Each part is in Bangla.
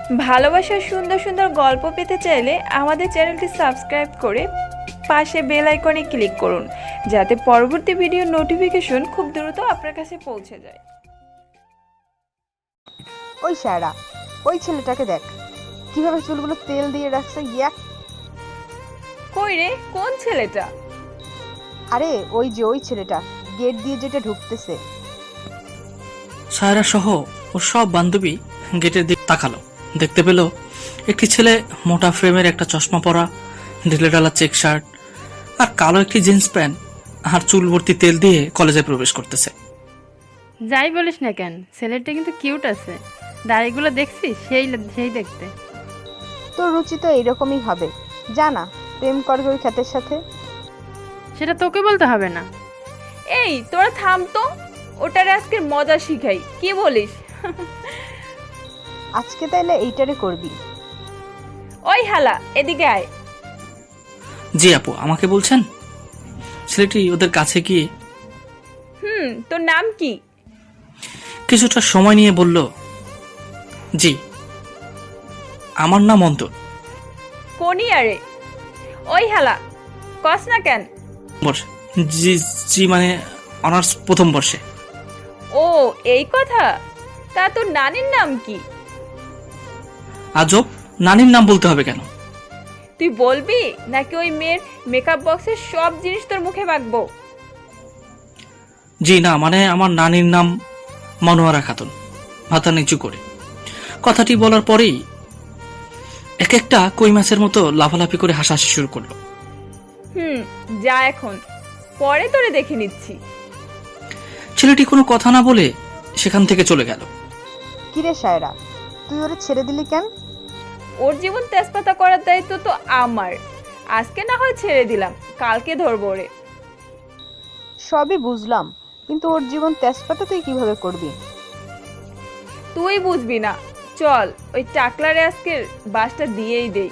ভালোবাসার সুন্দর সুন্দর গল্প পেতে চাইলে আমাদের চ্যানেলটি সাবস্ক্রাইব করে পাশে বেল আইকনে ক্লিক করুন, যাতে পরবর্তী ভিডিও নোটিফিকেশন খুব দ্রুত আপনার কাছে পৌঁছে যায়। ওই সায়রা, ওই ছেলেটাকে দেখ কিভাবে চুলগুলো তেল দিয়ে রাখছে। ইয়াক! কই রে, কোন ছেলেটা? আরে ওই যে ওই ছেলেটা গেট দিয়ে যেটা ঢুকতেছে। সায়রা সহ ওর সব বান্ধবী গেটের দিকে তাকালো। দেখতে পেল একটি ছেলে মোটা ফ্রেমের একটা চশমা পরা, ঢিলে ঢালা চেক শার্ট আর কালো একটি জিন্স প্যান্ট আর চুল ভর্তি তেল দিয়ে কলেজে প্রবেশ করতেছে। যাই বলিস না কেন, ছেলেটা কিন্তু কিউট আছে। দাড়িগুলো দেখছিস, সেই দেখতে। তোর রুচি তো এইরকমই হবে। জানা প্রেম করবে ওই খ্যাতের সাথে। সেটা তোকে বলতে হবে না। এই তোরা থাম তো, ওটারে আজকের মজা শিখাই, কি বলিস? আজকে তাইলে এইটারে করবি। ওই হালা, এদিকে আয়। জি আপু, আমাকে বলছেন? ছেলেটি ওদের কাছে গিয়ে তোর নাম কি? কিছুটা সময় নিয়ে বলল, জি আমার নাম অন্তর। কোনি আরে? ওই হালা, কস না কেন? জি জি মানে অনার্স প্রথম বর্ষে। ও এই কথা। তা তোর নানির নাম কি? আজব, নানির নাম বলতে হবে কেন? তুই বলবি নাকি ওই মেয়ের মেকআপ বক্সের সব জিনিস তোর মুখে মাখবো? জি না, মানে আমার নানির নাম মনোয়ারা খাতুন। মাথা নিচু করে কথাটি বলার পরেই এক একটা কই মাছের মতো লাফালাফি করে হাসাহাসি শুরু করলো। যা এখন, পরে তোরে দেখে নিচ্ছি। ছেলেটি কোনো কথা না বলে সেখান থেকে চলে গেল। কিরে সায়রা, তুই ওরে ছেড়ে দিলি কেন? ওর জীবন তেজপাতা করার দায়িত্ব তো আমার। আজকে না হয় ছেড়ে দিলাম, কালকে ধরবো ওরে। সবই বুঝলাম, কিন্তু ওর জীবন তেজপাতা তুই কিভাবে করবি? তুই বুঝবি না, চল ওই টাকলারে আজকের বাসটা দিয়েই দেই।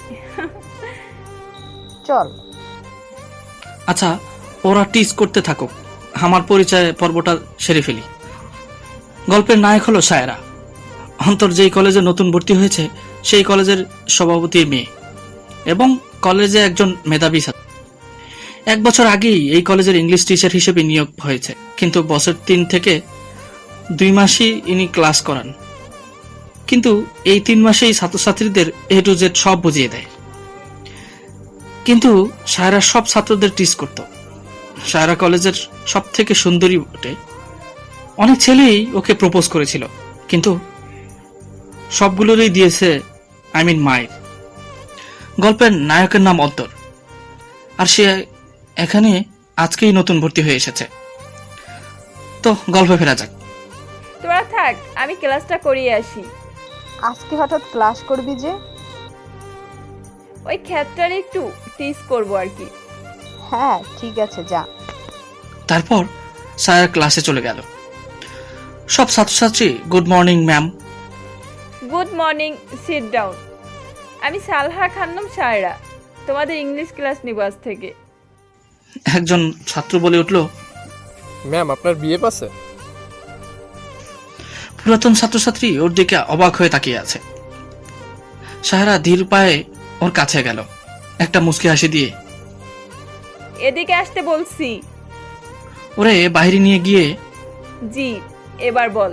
চল। আচ্ছা, ওরা টিজ করতে থাকুক, আমার পরিচয় পর্বটা সেরে ফেলি। গল্পের নায়ক হলো সায়রা। অন্তর যেই কলেজে নতুন ভর্তি হয়েছে সেই কলেজের সভাপতির মেয়ে এবং কলেজে একজন মেধাবী ছাত্র। 1 বছর আগেই এই কলেজের ইংলিশ টিচার হিসেবে নিয়োগ হয়েছে, কিন্তু বছর 3 থেকে 2 মাসই ইনি ক্লাস করান। কিন্তু এই 3 মাসেই ছাত্রছাত্রীদের A to Z সব বুঝিয়ে দেয়। কিন্তু সায়রা সব ছাত্রদের টিজ করত। সায়রা কলেজের সব থেকে সুন্দরী বটে। অনেক ছেলেই ওকে প্রপোজ করেছিল, কিন্তু সবগুলোরই দিয়েছে মায়ের। গল্পের নায়কের নাম অন্তর, আর সে এখানে আজকেই নতুন ভর্তি হয়ে এসেছে। তো গল্পে ফেরা যাক। তোরা থাক, আমি ক্লাসটা করিয়ে আসি। আজকে হঠাৎ ক্লাস করবি যে? ওই ক্ষেতটারে একটু টিজ করবো আর কি। হ্যাঁ ঠিক আছে, যা। তারপর সায়রা ক্লাসে চলে গেল। সব ছাত্রছাত্রী good morning ma'am. Good morning, sit down. আমি সালহা খানম সায়রা, তোমাদের ইংলিশ ক্লাস নিব আজ থেকে। একজন ছাত্র বলে উঠল, ম্যাম আপনার বিএফ আছে? পুরাতন ছাত্রছাত্রী ওর দিকে অবাক হয়ে তাকিয়ে আছে। সায়রা ধীর পায়ে ওর কাছে গেল, একটা মুচকি হাসি দিয়ে এদিকে আসতে বলছি। ওরে বাইরে নিয়ে গিয়ে, জি, এবার বল।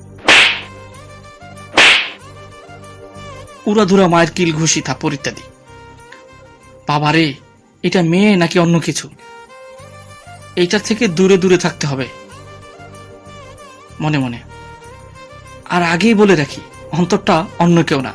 উড়াধুরা মায়ের কিল ঘুষি থাপ্পড় ইত্যাদি। বাবারে, এটা মেয়ে নাকি অন্য কিছু? এইটার থেকে দূরে দূরে থাকতে হবে মনে মনে। আর আগেই বলে রাখি, অন্তরটা অন্য কেউ না,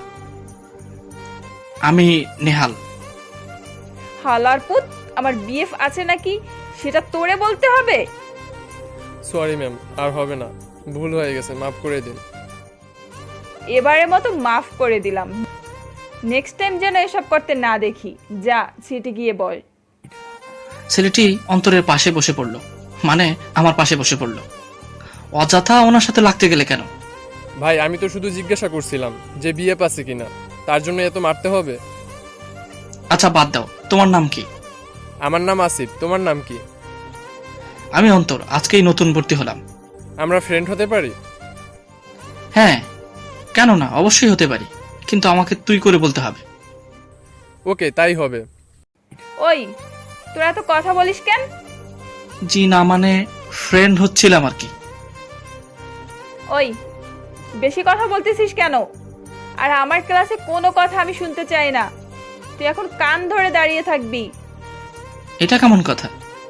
আমি নেহাল। হালার পুত, আমার বিএফ আছে নাকি সেটা তোরে বলতে হবে? সরি ম্যাম, আর হবে না, ভুল হয়ে গেছে, মাফ করে দিন। এবারের মতো মাফ করে দিলাম, নেক্সট টাইম যেন এসব করতে না দেখি। যা সিটে গিয়ে বল। ছেলেটি অন্তরের পাশে বসে পড়ল, মানে আমার পাশে বসে পড়ল। অযথা ওনার সাথে লাগতে গেলে কেন? ভাই আমি তো শুধু জিজ্ঞাসা করছিলাম যে বিএফ আছে কিনা, তার জন্য এত মারতে হবে? আচ্ছা বাদ দাও, তোমার নাম কি? আমার নাম আসিফ, তোমার নাম কি? আমি অন্তর, আজকেই নতুন ভর্তি হলাম। আমরা ফ্রেন্ড হতে পারি? হ্যাঁ, কেন না, অবশ্যই হতে পারি। কিন্তু আমাকে তুই করে বলতে হবে। ওকে, তাই হবে। ওই তোরা এত কথা বলিস কেন? জি না মানে ফ্রেন্ড হচ্ছিলাম আর কি। ওই বেশি কথা বলতেছিস কেন? আর আমার ক্লাসে কোনো কথা আমি শুনতে চাই না। তুই এখন কান ধরে দাঁড়িয়ে থাকবি। এটা কেমন কথা?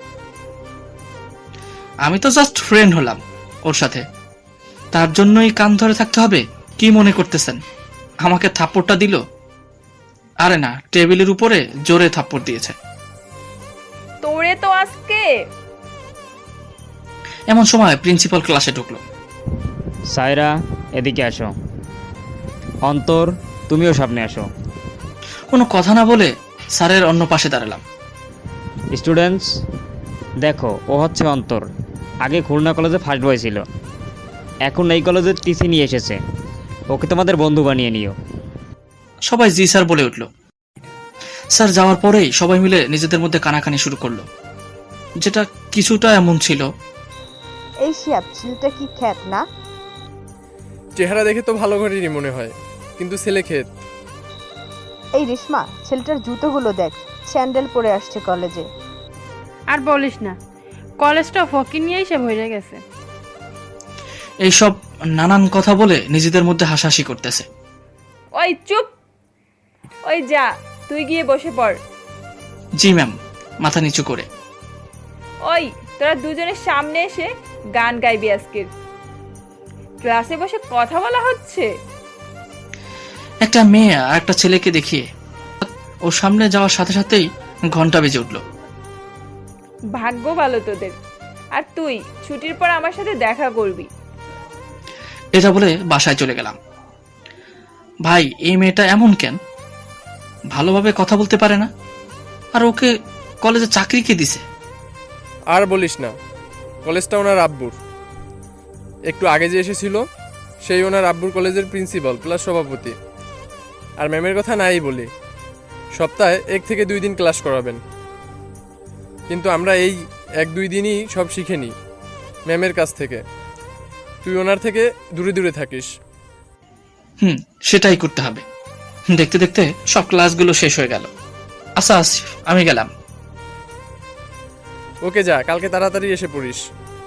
আমি তো জাস্ট ফ্রেন্ড হলাম ওর সাথে, তার জন্যই কান ধরে থাকতে হবে? কি মনে করতেছেন আমাকে থাপ্পড়টা দিল? আরে না, টেবিলের উপরে জোরে থাপ্পড় দিয়েছে। তোরে তো আজকে। এমন সময় প্রিন্সিপাল ক্লাসে ঢুকলো। সায়রা, এদিকে আসো। অন্তর, তুমিও সামনে আসো। কোনো কথা না বলে স্যারের অন্য পাশে দাঁড়ালাম। স্টুডেন্টস, দেখো, ও হচ্ছে অন্তর। আগে খুলনা কলেজে ফার্স্ট বয় ছিল, এখন এই কলেজে টিসি নিয়ে এসেছে। ওকে তোমাদের বন্ধু বানিয়ে নিও। সবাই জি স্যার বলে উঠল। স্যার যাওয়ার পরেই সবাই মিলে নিজেদের মধ্যে কানাকানি শুরু করলো, যেটা কিছুটা এমন ছিল। এই শিয়াব, ছেলেটা কি খ্যাত না? চেহারা দেখে তো ভালো ঘরেরই মনে হয়, কিন্তু ছেলে ক্ষেত। এই রেশমা, ছেলেটার জুতোগুলো দেখ, স্যান্ডেল পরে আসছে কলেজে। আর বলিস না, কলেজটা ফকির নিয়েই সে ভরে গেছে। এইসব নানান কথা বলে নিজেদের মধ্যে হাসাহাসি করতেছে। ওই চুপ। ওই যা, তুই গিয়ে বসে পড়। জি ম্যাম, মাথা নিচু করে। ওই তোরা দুজনের সামনে এসে গান গাইবি আজকের। ক্লাসে বসে কথা বলা হচ্ছে। একটা মেয়ে আর একটা ছেলেকে দেখিয়ে ওর সামনে যাওয়ার সাথে সাথেই ঘন্টা বেজে উঠল। ভাগ্য ভালো তোদের। আর তুই ছুটির পর আমার সাথে দেখা করবি। এটা বলে বাসায় চলে গেলাম। ভাই, এই মেয়েটা এমন কেন? ভালোভাবে কথা বলতে পারে না, আর ওকে কলেজে চাকরি কে দিছে? আর বলিস না, কলেজটা ওনার আব্বুর। একটু আগে যে এসেছিল সেই ওনার আব্বুর কলেজের প্রিন্সিপাল প্লাস সভাপতি। আর ম্যামের কথা নাই বলি, সপ্তাহে 1 থেকে 2 দিন ক্লাস করাবেন। কিন্তু আমরা এই 1-2 দিনই সব শিখে নিই ম্যামের কাছ থেকে। তুই ওনার থেকে দূরে দূরে থাকিস। সেটাই করতে হবে। দেখতে দেখতে সব ক্লাসগুলো শেষ হয়ে গেল। আচ্ছা আসিফ, আমি গেলাম। ওকে যা, কালকে তাড়াতাড়ি এসে পড়িস।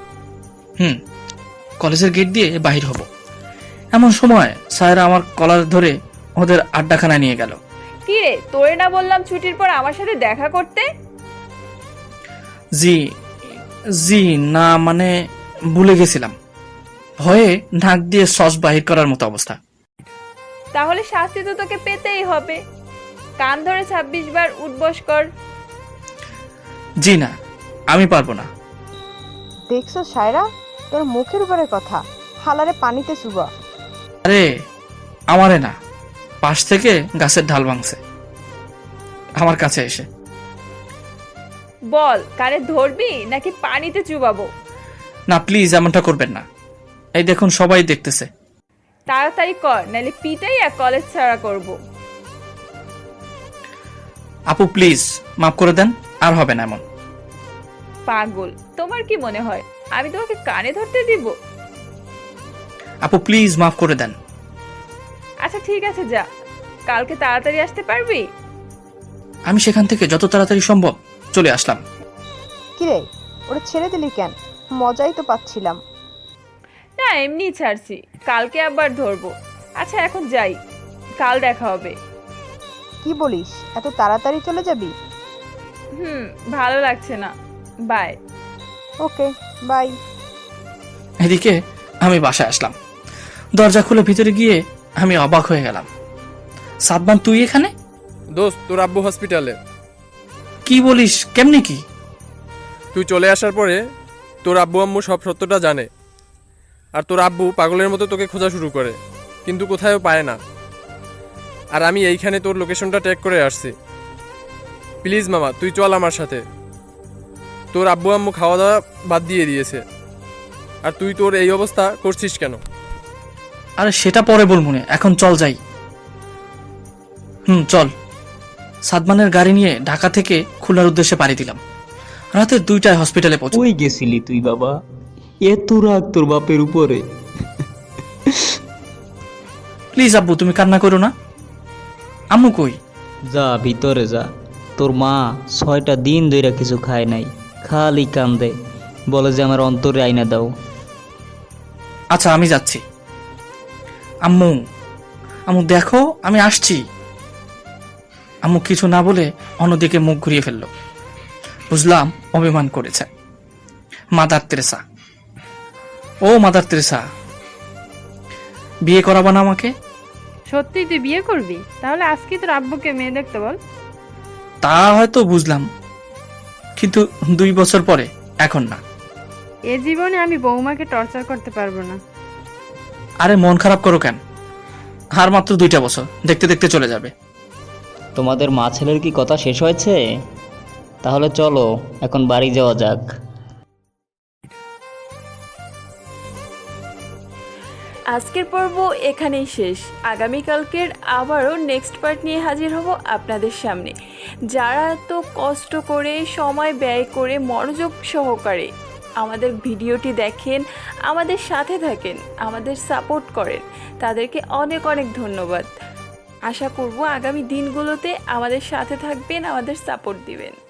কলেজের গেট দিয়ে বাহির হব, এমন সময় স্যার আমার কলার ধরে ওদের আড্ডাখানায় নিয়ে গেল। কি রে, তোরে না বললাম ছুটির পর আমার সাথে দেখা করতে? জি জি না মানে ভুলে গেছিলাম, ভয়ে নাক দিয়ে সস বাহির করার মতো অবস্থা। তাহলে শাস্তি তো তোকে পেতেই হবে। কান ধরে 26 বার উঠবস কর। জি না, আমি পারবো না। দেখছো সায়রা, তোর মুখের উপরে কথা, হালারে পানিতে চুবা। আরে আমারে না, পাশ থেকে গাছের ঢাল ভাঙছে আমার কাছে এসে। বল, কানে ধরবি নাকি পানিতে চুবাবো? না প্লিজ, এমনটা করবেন না। এই দেখুন, সবাই দেখতেছে। তাড়াতাড়ি কর, নাহলে পিটাইয়া কলেজ ছাড়া করব। আপু প্লিজ মাফ করে দেন, আর হবে না এমন। পাগল, তোমার কি মনে হয় আমি তোমাকে কানে ধরতে দিব? আপু প্লিজ মাফ করে দেন। আচ্ছা ঠিক আছে, যা, কালকে তাড়াতাড়ি আসতে পারবি? আমি সেখান থেকে যত তাড়াতাড়ি সম্ভব চলে আসলাম। কিরে, ওরা ছেড়ে দিলি কেন? মজাই তো পাচ্ছিলাম। না, এমনি ছাড়ছি, কালকে আবার ধরবো। আচ্ছা এখন যাই, কাল দেখা হবে। কি বলিস, এত তাড়াতাড়ি চলে যাবি? ভালো লাগছে না, বাই। Okay, by. এদিকে আমি বাসায় আসলাম। দরজা খুলে ভিতরে গিয়ে আমি অবাক হয়ে গেলাম। সাদমান, তুই এখানে? দোস্ত, তোর আব্বু হসপিটালে। কি বলিস, কেমনে কি? তুই চলে আসার পরে তোর আব্বু আম্মু সব সত্যটা জানে। আর তোর আব্বু পাগলের মতো তোকে খোঁজা শুরু করে, কিন্তু কোথাও পায় না। আর আমি এইখানে তোর লোকেশনটা ট্যাগ করে আসছি। প্লিজ মামা, তুই চল আমার সাথে। তোর আব্বু আম্মু খাওয়া দাওয়া বাদ দিয়ে দিয়েছে, আর তুই তোর এই অবস্থা করছিস কেন? আরে সেটা পরে বলমুনে, এখন চল যাই। চল। সাদমানের গাড়ি নিয়ে ঢাকা থেকে খুলনার উদ্দেশ্যে পাড়ি দিলাম। রাতে 2টায় হসপিটালে পৌঁছ। কই গেছিলি তুই বাবা? এত রাগ তোর বাপের উপরে? প্লিজ আব্বু, তুমি কান্না করো না। আম্মু কই? যা ভিতরে যা, তোর মা 6টা দিন ধইরা কিছু খায় নাই, খালি কান্দে, বলে যে আমার অন্তরে আইনা দাও। আচ্ছা আমি যাচ্ছি। আম্মু, আম্মু দেখো আমি আসছি। আম্মু কিছু না বলে অন্যদিকে মুখ ঘুরিয়ে ফেলল। বুঝলাম অভিমান করেছে। মাদার তেরেসা, ও মাদার তেরেসা, বিয়ে করাবা না আমাকে? সত্যি তুই বিয়ে করবি? তাহলে আজকে তোর আব্বুকে মেয়ে দেখতে বল। তা হয়তো বুঝলাম, কিন্তু 2 বছর পরে, এখন না। এ জীবনে আমি বৌমাকে টর্চার করতে পারবো না। আরে মন খারাপ করো কেন? আর মাত্র 2টা বছর, দেখতে দেখতে চলে যাবে। তোমাদের মা ছেলের কি কথা শেষ হয়েছে? তাহলে চলো এখন বাড়ি যাওয়া যাক। আজকের পর্ব এখানেই শেষ। আগামীকালকের আবারও নেক্সট পার্ট নিয়ে হাজির হব আপনাদের সামনে। যারা এত কষ্ট করে, সময় ব্যয় করে, মনোযোগ সহকারে আমাদের ভিডিওটি দেখেন, আমাদের সাথে থাকেন, আমাদের সাপোর্ট করেন, তাদেরকে অনেক অনেক ধন্যবাদ। আশা করব আগামী দিনগুলোতে আমাদের সাথে থাকবেন, আমাদের সাপোর্ট দিবেন।